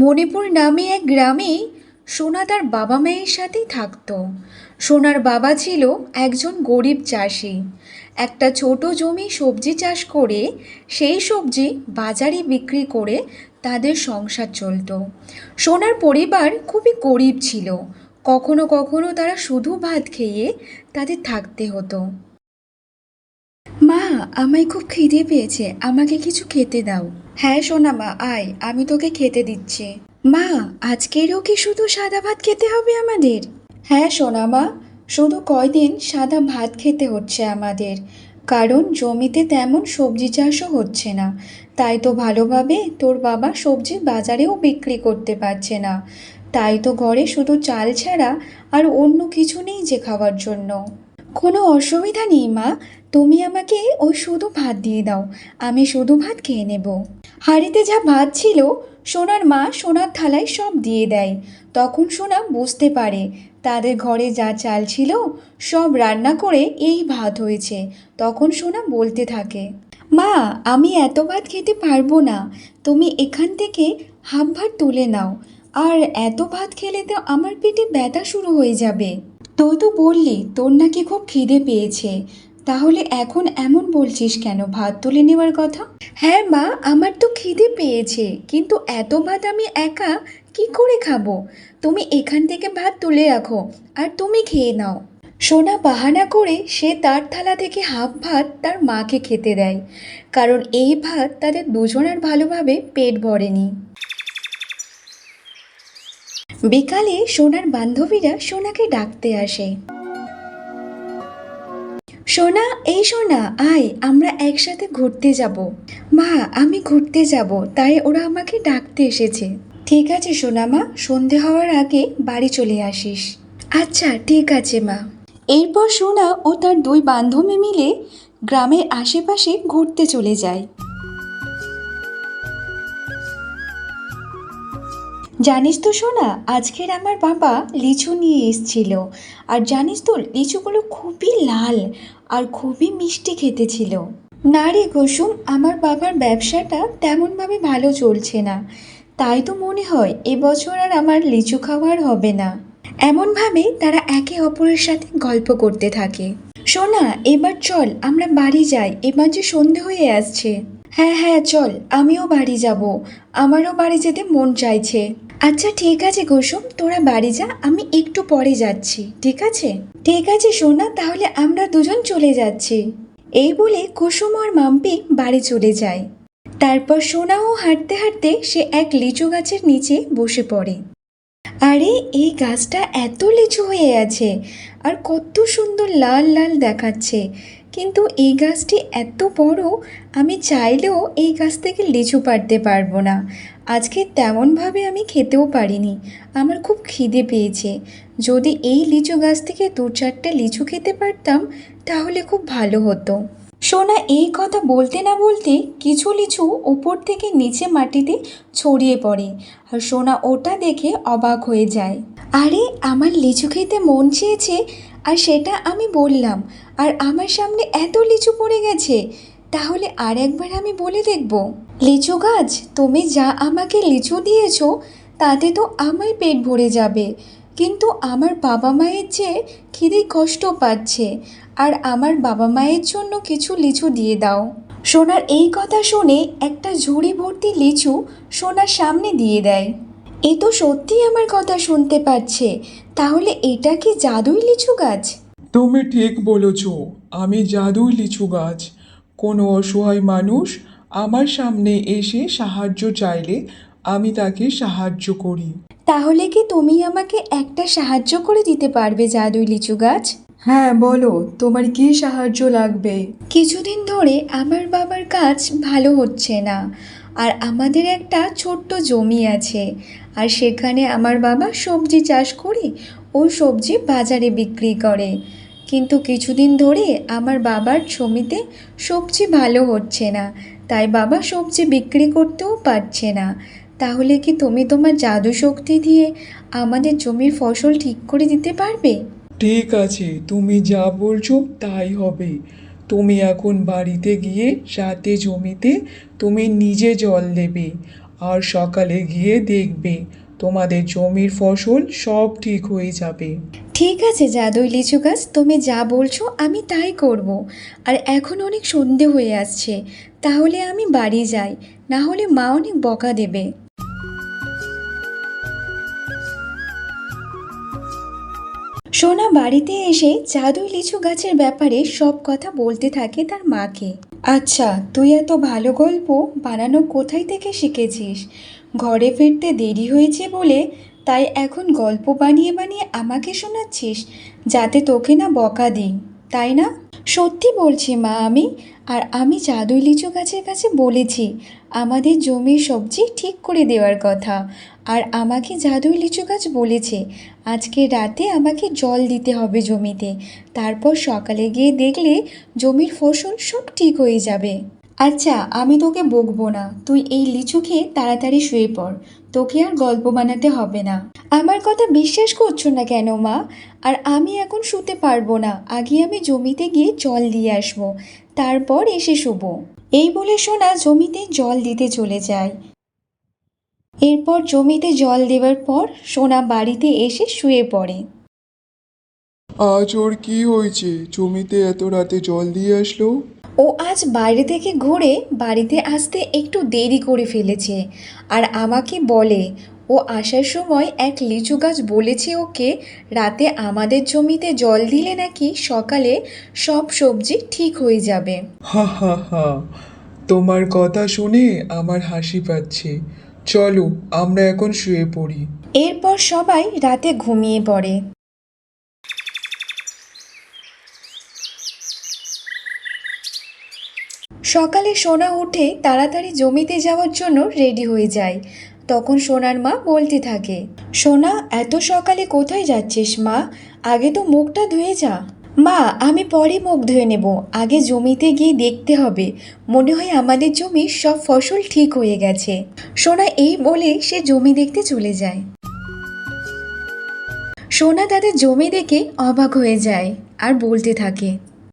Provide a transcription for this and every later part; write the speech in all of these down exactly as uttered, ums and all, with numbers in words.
মণিপুর নামে এক গ্রামে সোনা তার বাবা মায়ের সাথেই থাকতো। সোনার বাবা ছিল একজন গরিব চাষি। একটা ছোট জমি সবজি চাষ করে সেই সবজি বাজারে বিক্রি করে তাদের সংসার চলতো। সোনার পরিবার খুবই গরিব ছিল। কখনো কখনো তারা শুধু ভাত খেয়ে তাদের থাকতে হতো। মা, আমায় খুব খিদে পেয়েছে, আমাকে কিছু খেতে দাও। হ্যাঁ সোনা মা, আয়, আমি তোকে খেতে দিচ্ছি। মা, আজকেরও কি শুধু সাদা ভাত খেতে হবে আমাদের? হ্যাঁ সোনা মা, শুধু কয়দিন সাদা ভাত খেতে হচ্ছে আমাদের, কারণ জমিতে তেমন সবজি চাষও হচ্ছে না। তাই তো ভালোভাবে তোর বাবা সবজি বাজারেও বিক্রি করতে পারছে না। তাই তো ঘরে শুধু চাল ছাড়া আর অন্য কিছু নেই যে খাওয়ার জন্য। কোনো অসুবিধা নেই মা, তুমি আমাকে ওই শুধু ভাত দিয়ে দাও, আমি শুধু ভাত খেয়ে নেব। হাঁড়িতে যা ভাত ছিল সোনার মা সোনার থালায় সব দিয়ে দেয়। তখন সোনা বুঝতে পারে তাদের ঘরে যা চাল ছিল সব রান্না করে এই ভাত হয়েছে। তখন সোনা বলতে থাকে, মা, আমি এত ভাত খেতে পারবো না, তুমি এখান থেকে হাফ ভাত তুলে নাও। আর এত ভাত খেলে তো আমার পেটে ব্যথা শুরু হয়ে যাবে। তুই তো বললি তোর নাকি খুব খিদে পেয়েছে, তাহলে এখন এমন বলছিস কেন ভাত তুলে নেওয়ার কথা? হ্যাঁ মা, আমার তো খিদে পেয়েছে, কিন্তু এত ভাত আমি একা কি করে খাবো? তুমি এখান থেকে ভাত তুলে রাখো আর তুমি খেয়ে নাও। সোনা বাহানা করে সে তার থালা থেকে হাফ ভাত তার মাকে খেতে দেয়, কারণ এই ভাত তাদের দুজনের ভালোভাবে পেট ভরেনি। বিকালে সোনার বান্ধবীরা সোনাকে ডাকতে আসে। সোনা, এই সোনা, আয়, আমরা একসাথে ঘুরতে যাব। মা, আমি ঘুরতে যাব, তাই ওরা আমাকে ডাকতে এসেছে। ঠিক আছে সোনা মা, সন্ধে হওয়ার আগে বাড়ি চলে আসিস। আচ্ছা ঠিক আছে মা। এরপর সোনা ও তার দুই বান্ধবী মিলে গ্রামের আশেপাশে ঘুরতে চলে যায়। জানিস তো সোনা, আজকের আমার বাবা লিচু নিয়ে এসেছিল। আর জানিস তো লিচুগুলো খুবই লাল আর খুবই মিষ্টি খেতে ছিল। না রে কুসুম, আমার বাবার ব্যবসাটা তেমনভাবে ভালো চলছে না, তাই তো মনে হয় এবছর আর আমার লিচু খাওয়ার হবে না। এমনভাবে তারা একে অপরের সাথে গল্প করতে থাকে। সোনা, এবার চল আমরা বাড়ি যাই, এবার যে সন্ধে হয়ে আসছে। হ্যাঁ হ্যাঁ চল, আমিও বাড়ি যাব, আমারও বাড়ি যেতে মন চাইছে। আচ্ছা ঠিক আছে কুসুম, তোরা বাড়ি যা, আমি একটু পরে যাচ্ছি, ঠিক আছে? ঠিক আছে সোনা, তাহলে আমরা দুজন চলে যাচ্ছি। এই বলে কুসুম আর মাম্পি বাড়ি চলে যায়। তারপর সোনাও হাঁটতে হাঁটতে সে এক লিচু গাছের নিচে বসে পড়ে। আরে, এই গাছটা এত লিচু হয়ে আছে আর কত সুন্দর লাল লাল দেখাচ্ছে, কিন্তু এই গাছটি এত বড়, আমি চাইলেও এই গাছ থেকে লিচু পাড়তে পারবো না। আজকে তেমনভাবে আমি খেতেও পারিনি, আমার খুব খিদে পেয়েছে। যদি এই লিচু গাছ থেকে দু চারটে লিচু খেতে পারতাম তাহলে খুব ভালো হতো। সোনা এই কথা বলতে না বলতে কিছু লিচু উপর থেকে নিচে মাটিতে ছড়িয়ে পড়ে, আর সোনা ওটা দেখে অবাক হয়ে যায়। আরে, আমার লিচু খেতে মন চেয়েছে আর সেটা আমি বললাম, আর আমার সামনে এত লিচু পড়ে গেছে। তাহলে আর একবার আমি বলে দেখব, লিচু গাছ, তুমি যা আমাকে লিচু দিয়েছো তাতে তো আমার পেট ভরে যাবে, কিন্তু আমার বাবা মায়ের যে খিদে কষ্ট পাচ্ছে, আর আমার বাবা মায়ের জন্য কিছু লিচু দিয়ে দাও। সোনার এই কথা শুনে একটা ঝুড়ি ভর্তি লিচু সোনার সামনে দিয়ে দেয়। এ তো সত্যিই আমার কথা শুনতে পাচ্ছে, তাহলে এটা কি জাদুই লিচু গাছ? তুমি ঠিক বলেছ, আমি জাদুই লিচু গাছ। কোনো অসহায় মানুষ আমার সামনে এসে সাহায্য চাইলে আমি তাকে সাহায্য করি। তাহলে কি তুমি আমাকে একটা সাহায্য করে দিতে পারবে জাদুই লিচু গাছ? হ্যাঁ বলো, তোমার কি সাহায্য লাগবে? কিছুদিন ধরে আমার বাবার কাজ ভালো হচ্ছে না, আর আমাদের একটা ছোট্ট জমি আছে, আর সেখানে আমার বাবা সবজি চাষ করে ওই সবজি বাজারে বিক্রি করে। কিন্তু কিছুদিন ধরে আমার বাবার জমিতে সবজি ভালো হচ্ছে না, তাই বাবা সবজি বিক্রি করতেও পারছে না। তাহলে কি তুমি তোমার জাদু শক্তি দিয়ে আমাদের জমির ফসল ঠিক করে দিতে পারবে? ঠিক আছে, তুমি যা বলছো তাই হবে। তুমি এখন বাড়িতে গিয়ে রাতে জমিতে তুমি নিজে জল দেবে, আর সকালে গিয়ে দেখবে তোমাদের জমির ফসল সব ঠিক হয়ে যাবে। ঠিক আছে জাদুই লিচু গাছ, তুমি যা বলছো আমি তাই করব। আর এখন অনেক সন্ধে হয়ে আসছে, তাহলে আমি বাড়ি যাই, না হলে মা অনেক বকা দেবে। সোনা বাড়িতে এসে জাদুই লিচু গাছের ব্যাপারে সব কথা বলতে থাকে তার মাকে। আচ্ছা, তুই এত ভালো গল্প বানানো কোথায় থেকে শিখেছিস? ঘরে ফিরতে দেরি হয়েছে বলে তাই এখন গল্প বানিয়ে বানিয়ে আমাকে শোনাচ্ছিস, যাতে তোকে না বকা দিই, তাই না? সত্যি বলছি মা, আমি আর আমি জাদুই লিচু গাছের কাছে বলেছি আমাদের জমির সবজি ঠিক করে দেওয়ার কথা। আর আমাকে জাদুই লিচু গাছ বলেছে আজকে রাতে আমাকে জল দিতে হবে জমিতে, তারপর সকালে গিয়ে দেখলে জমির ফসল সব ঠিক হয়ে যাবে। আচ্ছা, আমি তোকে বকবো না, তুই এই লিচু খেয়ে তাড়াতাড়ি শুয়ে পড়, তোকে আর গল্প বানাতে হবে না। আমার কথা বিশ্বাস করছো না কেন মা? আর আমি এখন শুতে পারবো না, আগে আমি জমিতে গিয়ে জল দিয়ে আসবো, তারপর এসে শুবো। এই বলে সোনা জমিতে জল দিতে চলে যায়। এরপর জমিতে জল দেওয়ার পর সোনা বাড়িতে এসে শুয়ে পড়ে। আজ ওর কি হয়েছে, জমিতে এত রাতে জল দিয়ে আসলো? ও আজ বাইরে থেকে ঘুরে বাড়িতে আসতে একটু দেরি করে ফেলেছে, আর আমাকে বলে ও আসার সময় এক লিচু গাছ বলেছে ওকে রাতে আমাদের জমিতে জল দিলে নাকি সকালে সব সবজি ঠিক হয়ে যাবে। হা হা হা, তোমার কথা শুনে আমার হাসি পাচ্ছে। চলো আমরা এখন শুয়ে পড়ি। এরপর সবাই রাতে ঘুমিয়ে পড়ে। সকালে সোনা উঠে তাড়াতাড়ি জমিতে যাওয়ার জন্য রেডি হয়ে যায়। তখন সোনার মা বলতে থাকে, সোনা এত সকালে কোথায় যাচ্ছিস মা? আগে তো মুখটা ধুয়ে যা। মা, আমি পরে মুখ ধুয়ে নেব, আগে জমিতে গিয়ে দেখতে হবে, মনে হয় আমাদের জমির সব ফসল ঠিক হয়ে গেছে। সোনা এই বলে সে জমি দেখতে চলে যায়। সোনা তাদের জমি দেখে অবাক হয়ে যায় আর বলতে থাকে,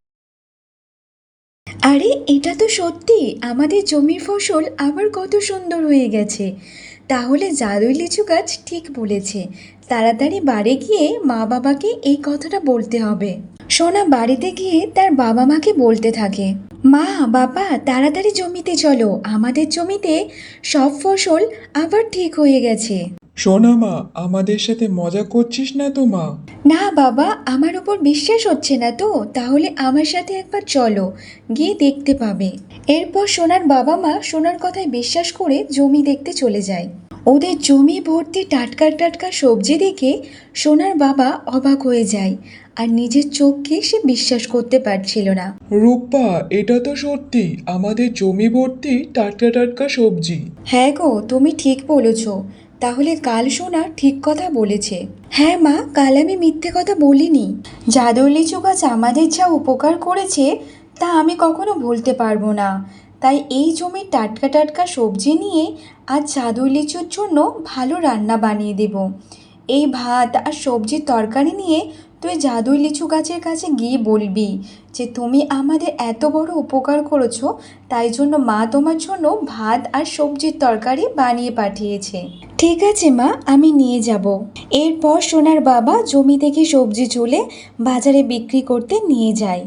আরে এটা তো সত্যি আমাদের জমির ফসল আবার কত সুন্দর হয়ে গেছে। তাহলে জাদুই লিচু গাছ ঠিক বলেছে, তাড়াতাড়ি বাড়ি গিয়ে মা বাবাকে এই কথাটা বলতে হবে। সোনা বাড়িতে গিয়ে তার বাবা মাকে বলতে থাকে, মা বাবা তাড়াতাড়ি জমিতে চলো, আমাদের জমিতে সব ফসল আবার ঠিক হয়ে গেছে। সোনা মা, আমাদের সাথে মজা করছিস না তো মা? না বাবা, আমার উপর বিশ্বাস হচ্ছে না তো, তাহলে আমার সাথে একবার চলো, গিয়ে দেখতে পাবে। এরপর সোনার বাবা মা সোনার কথায় বিশ্বাস করে জমি দেখতে চলে যায়। ওদের জমি ভর্তি টাটকা টাটকা সবজি দেখে সোনার বাবা অবাক হয়ে যায় আর নিজের চোখকে সে বিশ্বাস করতে পারছিল না। রূপা, এটা তো সত্যি আমাদের জমি ভর্তি টাটকা টাটকা সবজি। হ্যাঁ গো, তুমি ঠিক বলেছ, তাহলে কাল সোনা ঠিক কথা বলেছে। হ্যাঁ মা, কাল আমি মিথ্যে কথা বলিনি। জাদুই লিচু গাছ আমাদের যা উপকার করেছে তা আমি কখনো ভুলতে পারবো না। তাই এই জমির টাটকা টাটকা সবজি নিয়ে আজ জাদুই লিচুর জন্য ভালো রান্না বানিয়ে দেব। এই ভাত আর সবজির তরকারি নিয়ে তুই জাদুই লিচু গাছের কাছে গিয়ে বলবি যে তুমি আমাদের এত বড় উপকার করেছো, তাই জন্য মা তোমার জন্য ভাত আর সবজির তরকারি বানিয়ে পাঠিয়েছে। ঠিক আছে মা, আমি নিয়ে যাব। এরপর সোনার বাবা জমি থেকে সবজি তুলে বাজারে বিক্রি করতে নিয়ে যায়।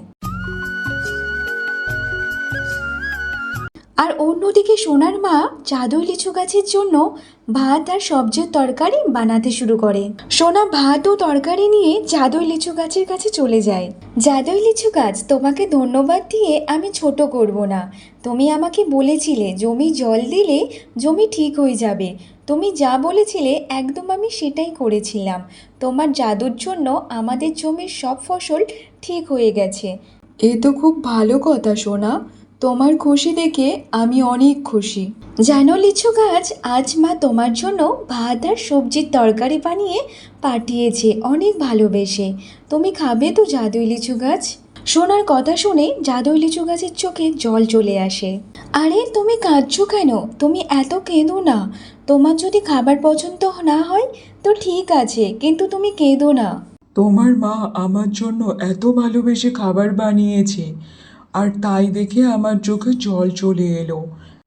আর অন্যদিকে সোনার মা জাদুই লিচু গাছের জন্য ভাত আর সবজির তরকারি বানাতে শুরু করে। সোনা ভাত ও তরকারি নিয়ে জাদুই লিচু গাছের কাছে চলে যায়। জাদুই লিচু গাছ, তোমাকে ধন্যবাদ দিয়ে আমি ছোট করব না। তুমি আমাকে বলেছিলে জমি জল দিলে জমি ঠিক হয়ে যাবে, তুমি যা বলেছিলে একদম আমি সেটাই করেছিলাম। তোমার জাদুর জন্য আমাদের জমির সব ফসল ঠিক হয়ে গেছে। এ তো খুব ভালো কথা সোনা, তোমার খুশি দেখে আমি অনেক খুশি। জানো লিচু গাছ, আজ মা তোমার জন্য ভাত আর সবজির তরকারি বানিয়ে পাঠিয়েছে অনেক ভালোবেসে। তুমি খাবে তো জাদুই লিচু গাছ? সোনার কথা শুনে জাদুই লিচু গাছের চোখে জল চলে আসে। আরে তুমি কাঁদছো কেন? তুমি এত কেঁদো না। তোমার যদি খাবার পছন্দ না হয় তো ঠিক আছে, কিন্তু তুমি কেঁদো না। তোমার মা আমার জন্য এত ভালোবেসে খাবার বানিয়েছে, আর তাই দেখে আমার চোখে জল চলে এলো।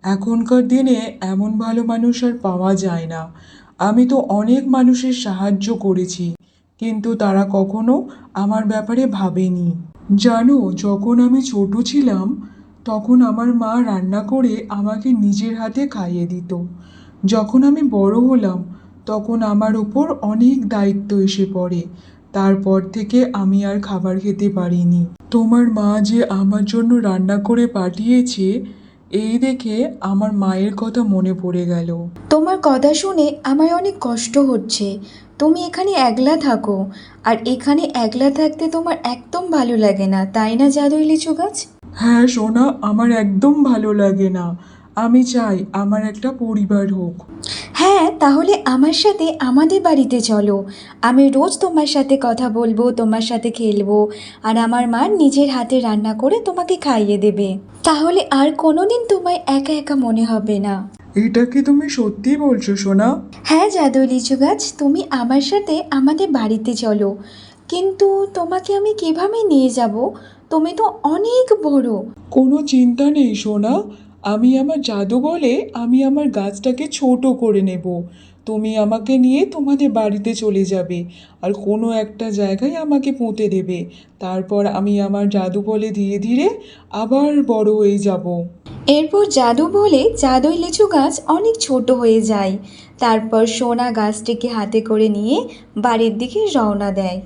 এখনকার দিনে এমন ভালো মানুষ আর পাওয়া যায় না। আমি তো অনেক মানুষের সাহায্য করেছি, কিন্তু তারা কখনো আমার ব্যাপারে ভাবেনি। জানো, যখন আমি ছোট ছিলাম তখন আমার মা রান্না করে আমাকে নিজের হাতে খাইয়ে দিত। যখন আমি বড় হলাম তখন আমার ওপর অনেক দায়িত্ব এসে পড়ে। তারপর থেকে আমি আর খাবার খেতে পারিনি। তোমার মা যে আমার জন্য রান্না করে পাঠিয়েছে, এই দেখে আমার মায়ের কথা মনে পড়ে গেল। তোমার কথা শুনে আমার অনেক কষ্ট হচ্ছে। তুমি এখানে একলা থাকো, আর এখানে একলা থাকতে তোমার একদম ভালো লাগে না, তাই না জাদুই লিচু গাছ? হ্যাঁ সোনা, আমার একদম ভালো লাগে না। আমি চাই আমার একটা পরিবার হোক। হ্যাঁ, তাহলে আমার সাথে আমাদের বাড়িতে চলো। আমি রোজ তোমার সাথে কথা বলবো, তোমার সাথে খেলবো, আর আমার মা নিজের হাতে রান্না করে তোমাকে খাইয়ে দেবে। তাহলে আর কোনোদিন তোমায় একা একা মনে হবে না। এটা কি তুমি সত্যি বলছো সোনা? হ্যাঁ জাদুই লিচু গাছ, তুমি আমার সাথে আমাদের বাড়িতে চলো। কিন্তু তোমাকে আমি কিভাবে নিয়ে যাব? তুমি তো অনেক বড়। কোনো চিন্তা নেই সোনা, আমি আমার জাদু বলে আমি আমার গাছটাকে ছোট করে নেব। তুমি আমাকে নিয়ে তোমাদের বাড়িতে চলে যাবে আর কোনো একটা জায়গায় আমাকে পুঁতে দেবে। তারপর আমি আমার জাদু বলে ধীরে ধীরে আবার বড় হয়ে যাব। এরপর জাদু বলে জাদুই লিচু গাছ অনেক ছোট হয়ে যায়। তারপর সোনা গাছটিকে হাতে করে নিয়ে বাড়ির দিকে রওনা দেয়।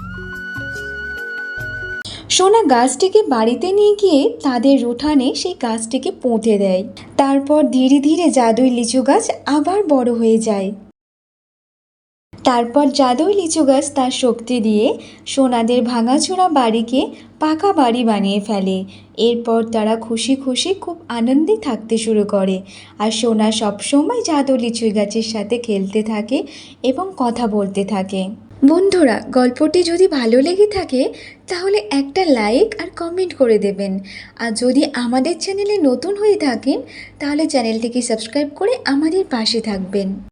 সোনা গাছটিকে বাড়িতে নিয়ে গিয়ে তাদের উঠানে সেই গাছটিকে পুঁতে দেয়। তারপর ধীরে ধীরে জাদুই লিচু গাছ আবার বড় হয়ে যায়। তারপর জাদুই লিচু গাছ তার শক্তি দিয়ে সোনাদের ভাঙাচোরা বাড়িকে পাকা বাড়ি বানিয়ে ফেলে। এরপর তারা খুশি খুশি খুব আনন্দে থাকতে শুরু করে, আর সোনা সবসময় জাদু লিচু গাছের সাথে খেলতে থাকে এবং কথা বলতে থাকে। বন্ধুরা, গল্পটি যদি ভালো লেগে থাকে তাহলে একটা লাইক আর কমেন্ট করে দেবেন। আর যদি আমাদের চ্যানেলে নতুন হয়ে থাকেন তাহলে চ্যানেলটিকে সাবস্ক্রাইব করে আমাদের পাশে থাকবেন।